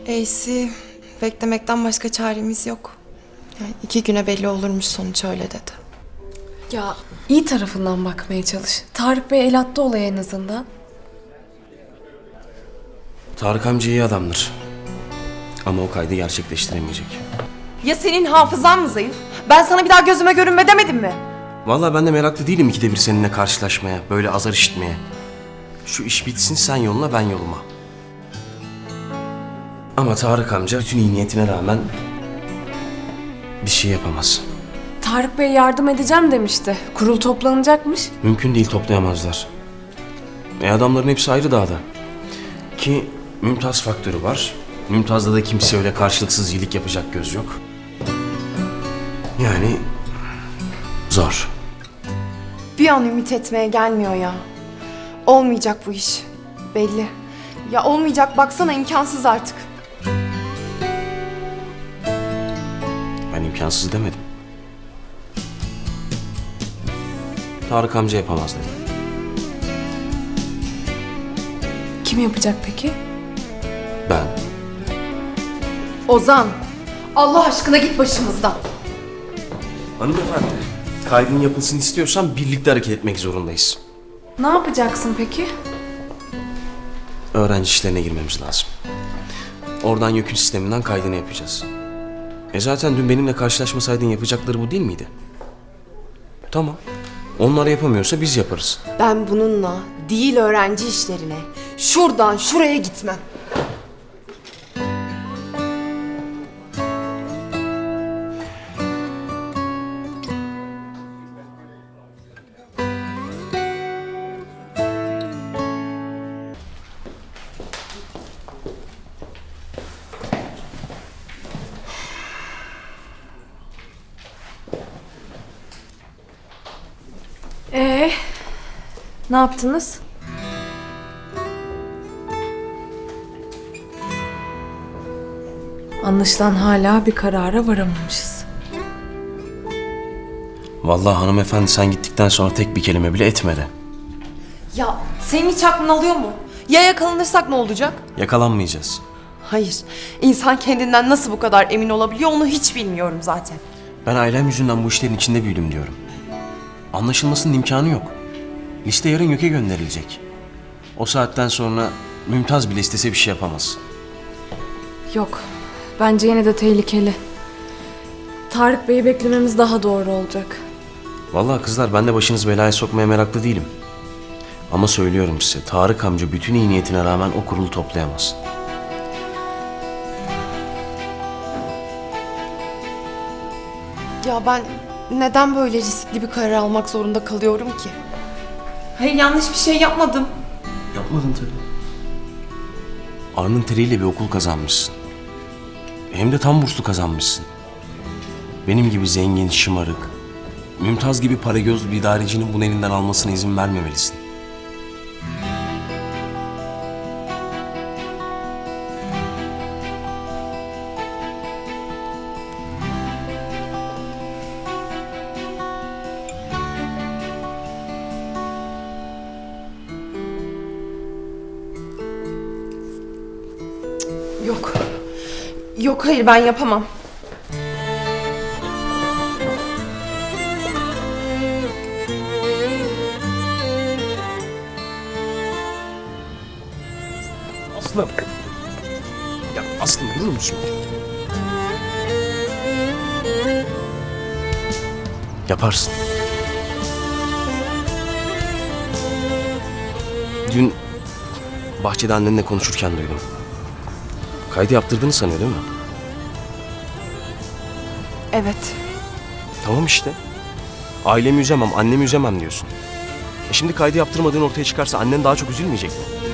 Eysi, beklemekten başka çaremiz yok. Yani 2 güne belli olurmuş sonuç, öyle dedi. Ya iyi tarafından bakmaya çalış. Tarık Bey el attı olaya en azından. Tarık amca iyi adamdır. Ama o kaydı gerçekleştiremeyecek. Ya senin hafızan mı zayıf? Ben sana bir daha gözüme görünme demedim mi? Vallahi ben de meraklı değilim ikide bir seninle karşılaşmaya, böyle azar işitmeye. Şu iş bitsin, sen yoluna ben yoluma. Ama Tarık amca bütün iyi niyetine rağmen bir şey yapamaz. Tarık Bey yardım edeceğim demişti. Kurul toplanacakmış. Mümkün değil, toplayamazlar. Adamların hepsi ayrı dağda. Ki Mümtaz faktörü var. Mümtaz'da da kimse öyle karşılıksız iyilik yapacak göz yok. Yani zor. Bir an ümit etmeye gelmiyor ya. Olmayacak bu iş. Belli. Ya olmayacak, baksana, imkansız artık. Ben imkansız demedim. Tarık amca yapamaz dedim. Kim yapacak peki? Ben. Ozan, Allah aşkına git başımızdan. Hanımefendi, kaydın yapılsın istiyorsan birlikte hareket etmek zorundayız. Ne yapacaksın peki? Öğrenci işlerine girmemiz lazım. Oradan yükün sisteminden kaydını yapacağız. Zaten dün benimle karşılaşmasaydın yapacakları bu değil miydi? Tamam. Onlar yapamıyorsa biz yaparız. Ben bununla değil öğrenci işlerine, şuradan şuraya gitmem. Ne yaptınız? Anlaşılan hala bir karara varamamışız. Vallahi hanımefendi sen gittikten sonra tek bir kelime bile etmedi. Ya senin hiç aklın alıyor mu? Ya yakalanırsak ne olacak? Yakalanmayacağız. Hayır. İnsan kendinden nasıl bu kadar emin olabiliyor onu hiç bilmiyorum zaten. Ben ailem yüzünden bu işlerin içinde büyüdüm diyorum. Anlaşılmasının imkanı yok. Liste yarın YÖK'e gönderilecek. O saatten sonra Mümtaz bile istese bir şey yapamaz. Yok. Bence yine de tehlikeli. Tarık Bey'i beklememiz daha doğru olacak. Vallahi kızlar ben de başınızı belaya sokmaya meraklı değilim. Ama söylüyorum size Tarık amca bütün iyi niyetine rağmen o kurulu toplayamaz. Ya ben neden böyle riskli bir karar almak zorunda kalıyorum ki? Hayır, yanlış bir şey yapmadım. Yapmadın tabii. Alnın teriyle bir okul kazanmışsın. Hem de tam burslu kazanmışsın. Benim gibi zengin, şımarık, Mümtaz gibi paragöz bir idarecinin bunu elinden almasına izin vermemelisin. Yok. Yok, hayır, ben yapamam. Aslım. Ya Aslım durur musun? Yaparsın. Dün bahçede annenle konuşurken duydum. Kaydı yaptırdığını sanıyor değil mi? Evet. Tamam işte. Ailemi üzemem, annemi üzemem diyorsun. Şimdi kaydı yaptırmadığın ortaya çıkarsa annen daha çok üzülmeyecek mi?